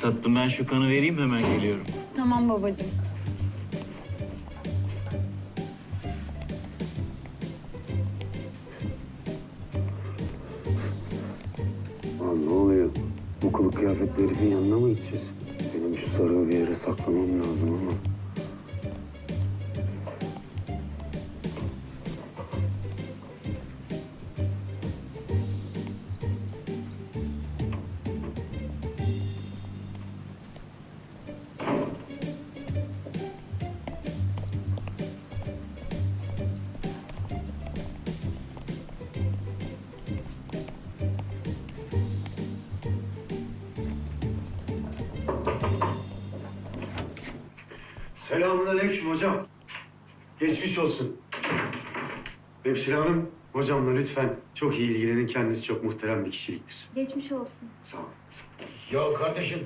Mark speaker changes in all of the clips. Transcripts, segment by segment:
Speaker 1: Tatlım ben şu kanı vereyim hemen geliyorum.
Speaker 2: Tamam babacığım.
Speaker 3: Lan ne oluyor? Bu kılık kıyafetli herifin yanına mı gideceğiz? Benim şu sarığı bir yere saklamam lazım ama. Selamünaleyküm hocam. Geçmiş olsun. Hemşire hanım, hocamla lütfen çok iyi ilgilenin. Kendisi çok muhterem bir kişiliktir.
Speaker 2: Geçmiş olsun.
Speaker 3: Sağ olun.
Speaker 4: Ya kardeşim,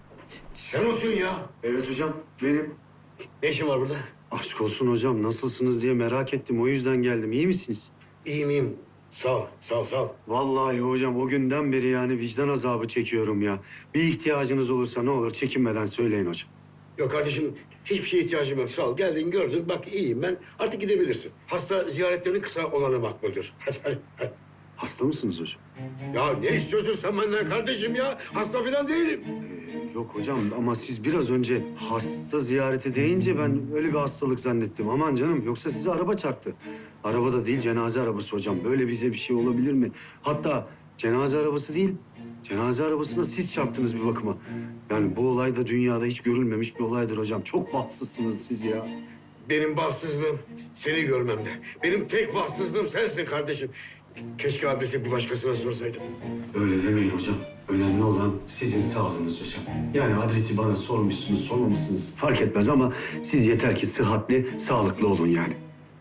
Speaker 4: sen olsun ya.
Speaker 3: Evet hocam, benim.
Speaker 4: Ne işin var burada?
Speaker 3: Aşk olsun hocam, nasılsınız diye merak ettim. O yüzden geldim. İyi misiniz?
Speaker 4: İyiyim, iyiyim. Sağ ol, sağ ol, sağ ol.
Speaker 3: Vallahi hocam o günden beri yani vicdan azabı çekiyorum ya. Bir ihtiyacınız olursa ne olur çekinmeden söyleyin hocam.
Speaker 4: Yok kardeşim, hiçbir şeye ihtiyacım yok. Sağ ol. Geldin, gördün. Bak iyiyim ben. Artık gidebilirsin. Hasta ziyaretlerinin kısa olanı makbuldür. Hadi, hadi, hadi.
Speaker 3: Hasta mısınız hocam?
Speaker 4: Ya ne istiyorsun sen benden kardeşim ya? Hasta falan değilim.
Speaker 3: Yok hocam ama siz biraz önce hasta ziyareti deyince ben öyle bir hastalık zannettim. Aman canım yoksa size araba çarptı. Araba da değil cenaze arabası hocam. Böyle bize bir şey olabilir mi? Hatta cenaze arabası değil, cenaze arabasına siz çarptınız bir bakıma. Yani bu olay da dünyada hiç görülmemiş bir olaydır hocam. Çok bahtsızsınız siz ya.
Speaker 4: Benim bahtsızlığım seni görmemde. Benim tek bahtsızlığım sensin kardeşim. Keşke adresi bir başkasına sorsaydım.
Speaker 3: Öyle demeyin hocam. Önemli olan sizin sağlığınız hocam. Yani adresi bana sormuşsunuz, sormamışsınız fark etmez ama siz yeter ki sıhhatli, sağlıklı olun yani.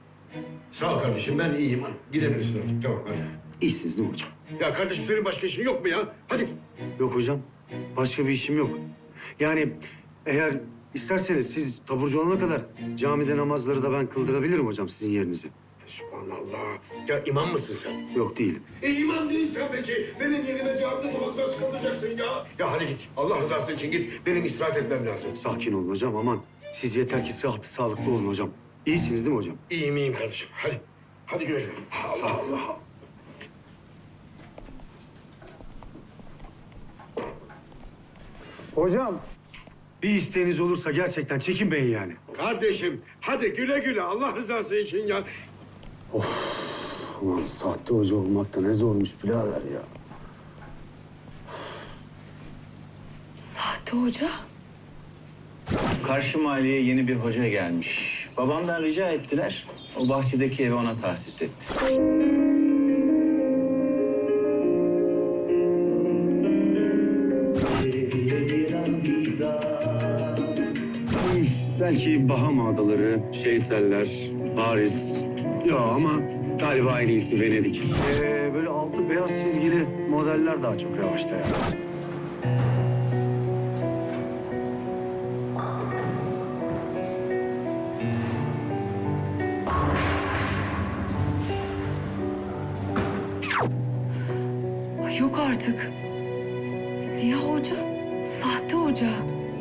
Speaker 4: Sağ ol kardeşim, ben iyiyim. Gidebilirsin artık, tamam hadi.
Speaker 3: İyisiniz değil mi hocam?
Speaker 4: Ya kardeşim senin başka işin yok mu ya? Hadi.
Speaker 3: Yok hocam. Başka bir işim yok. Yani eğer isterseniz siz taburcu olana kadar camide namazları da ben kıldırabilirim hocam sizin yerinize.
Speaker 4: Subhanallah. Ya imam mısın sen?
Speaker 3: Yok değilim.
Speaker 4: İmam değilsen peki benim yerime camide namazı nasıl kıldıracaksın ya? Ya hadi git. Allah rızası için git. Benim istirahat etmem lazım.
Speaker 3: Sakin olun hocam aman. Siz yeter ki sıhhatli, sağlıklı olun hocam. İyisiniz değil mi hocam?
Speaker 4: İyiyim iyiyim kardeşim. Hadi. Hadi güle güle. Allah Allah.
Speaker 3: Hocam. Bir isteğiniz olursa gerçekten çekinmeyin yani.
Speaker 4: Kardeşim hadi güle güle. Allah rızası için ya.
Speaker 3: Ulan sahte hoca olmak da ne zormuş birader ya.
Speaker 2: Sahte hoca?
Speaker 1: Karşı mahalleye yeni bir hoca gelmiş. Babamdan rica ettiler. O bahçedeki evi ona tahsis etti.
Speaker 3: Belki Bahama Adaları, Şeyseller, Paris. Ya ama galiba en iyisi Venedik. Böyle altı beyaz çizgili modeller daha çok revaçta ya.
Speaker 2: Ay yok artık. Siyah hoca, sahte hoca.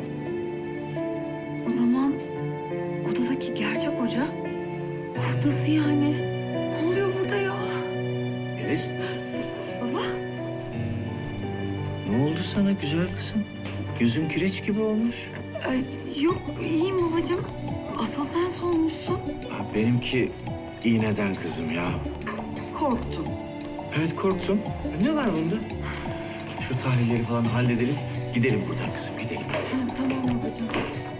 Speaker 2: O zaman odadaki gerçek hoca. Of nasıl yani? Ne oluyor burada ya?
Speaker 1: Melis,
Speaker 2: Baba?
Speaker 1: ne oldu sana güzel kızım? Yüzün kireç gibi olmuş.
Speaker 2: Ay, yok iyiyim babacığım. Asıl sen solmuşsun.
Speaker 1: Ha, benimki iğneden kızım ya.
Speaker 2: Korktum.
Speaker 1: Evet korktum. Ne var bunda? Şu tahlilleri falan halledelim. Gidelim buradan kızım gidelim.
Speaker 2: Tamam babacığım.